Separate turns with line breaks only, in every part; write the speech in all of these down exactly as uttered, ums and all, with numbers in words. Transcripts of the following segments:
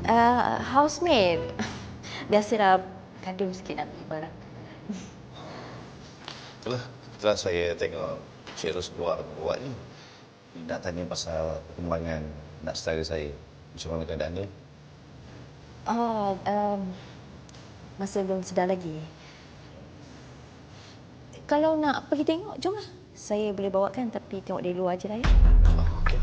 Uh, housemate. Biasalah kandung sikit nak barang.
Itulah, setelah saya tengok Cik Ros buat ni, nak tanya pasal perkembangan nak saudara saya. Macam mana keadaan dia?
Oh, um, masih belum sedar lagi. Kalau nak pergi tengok, jomlah. Saya boleh bawakan tapi tengok dari luar je lah ya.
Oh, okey.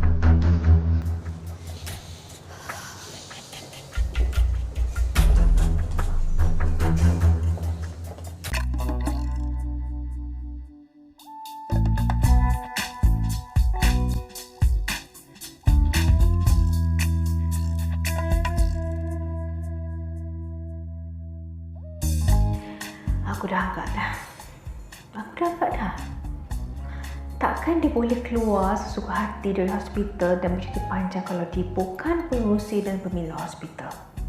Aku dah agak dah. Aku dah agak dah. Takkan dia boleh keluar sesuka hati dari hospital dan bercuti panjang kalau dia bukan pengurusi dan pemilik hospital.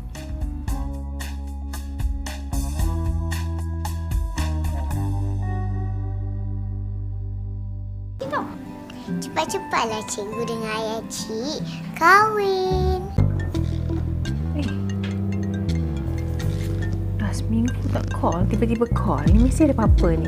Tengok. Cepat-cepatlah cikgu dengan ayah cik kahwin.
Eh. Dah seminggu tak call, tiba-tiba call. Ini mesti ada apa-apa ni.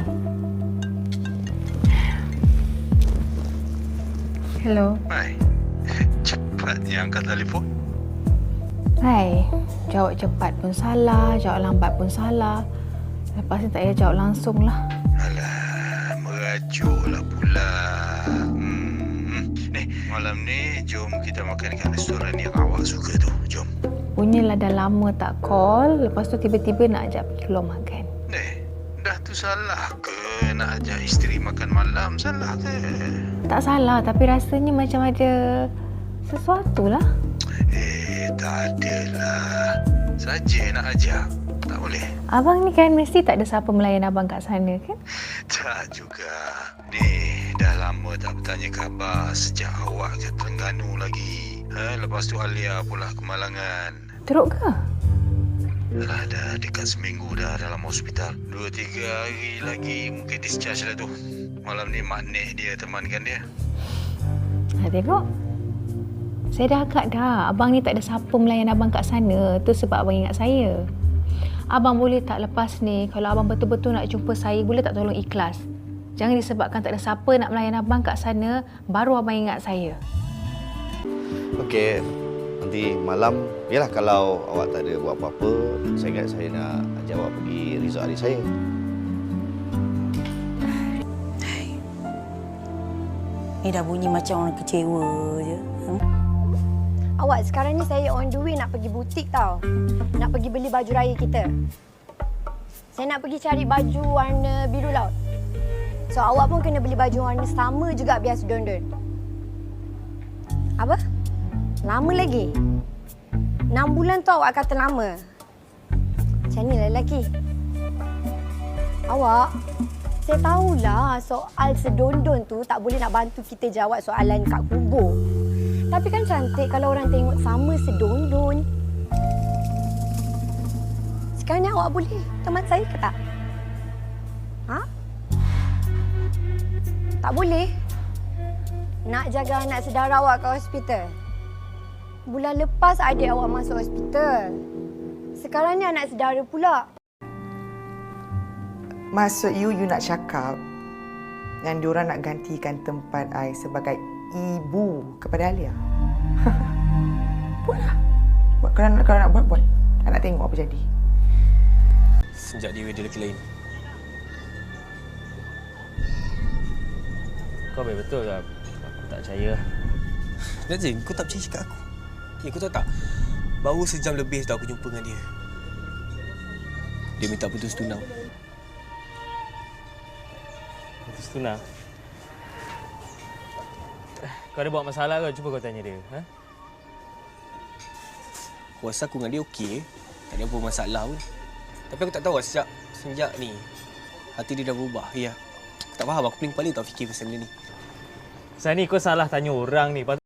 Hello.
Hai. Cepatnya angkat telefon.
Hai. Jawab cepat pun salah, jawab lambat pun salah. Lepas ni tak payah jawab langsung lah.
Alah, merajuklah pula. Hmm. Ni, malam ni jom kita makan kat restoran yang awak suka tu. Jom.
Punyalah dah lama tak call, lepas tu tiba-tiba nak ajak pergi keluar makan.
Ni, dah tu salah ke nak ajak isteri makan malam? Salah ke?
Tak salah, tapi rasanya macam ada sesuatu lah.
Eh, tak adalah. Saja nak ajak. Tak boleh.
Abang ni kan mesti tak ada siapa melayan abang kat sana kan?
Tak juga. Ni, dah lama tak bertanya khabar sejak awak ke Terengganu lagi. Ha, lepas tu Alia pula kemalangan.
Teruk ke?
Dah, dah dekat seminggu dah dalam hospital. Dua, tiga hari lagi mungkin discharge lah tu. Malam ni mak nek dia temankan dia.
Ha, tengok. Saya dah agak dah. Abang ni tak ada siapa melayan abang kat sana. Tu sebab abang ingat saya. Abang boleh tak lepas ni, kalau abang betul-betul nak jumpa saya, boleh tak tolong ikhlas? Jangan disebabkan tak ada siapa nak melayan abang kat sana, baru abang ingat saya.
Okey, nanti malam, yalah kalau awak tak ada buat apa-apa, saya ingat saya nak ajak awak pergi resort adik saya.
Ni dah bunyi macam orang kecewa je. Hmm?
Awak, sekarang ni saya on the way nak pergi butik tau. Nak pergi beli baju raya kita. Saya nak pergi cari baju warna biru laut. So, awak pun kena beli baju warna sama juga biar sedondon. Apa? Lama lagi? Enam bulan tu awak kata lama. Macam ni lah lelaki. Awak, saya tahulah soal sedondon tu tak boleh nak bantu kita jawab soalan kat kubur. Tapi kan cantik kalau orang tengok sama sedondon. Sekarang ni awak boleh teman saya ke tak? Ha? Tak boleh? Nak jaga anak saudara awak kat hospital. Bulan lepas adik awak masuk hospital. Sekarang ni anak saudara pula.
Maksud you, you nak cakap yang diorang nak gantikan tempat I sebagai ibu kepada Alia? Buatlah. Buat, kalau, nak, kalau nak buat, buat. I nak tengok apa jadi.
Sejak dia ada lelaki lain. Kau baik betul lah. Aku tak percaya.
Nazim, kau tak percaya cakap aku? Eh, kau tahu tak? Baru sejam lebih dah aku jumpa dengan dia. Dia minta putus tunang.
Putus tunang? Kau ada buat masalah ke? Cuba kau tanya dia. Ha?
Aku rasa aku dengan dia okey. Tak ada apa masalah pun. Tapi aku tak tahu lah sejak, sejak ni hati dia dah berubah. Ya. Aku tak faham. Aku pening kepala tak fikir pasal benda ni.
Pasal ni kau salah tanya orang ni.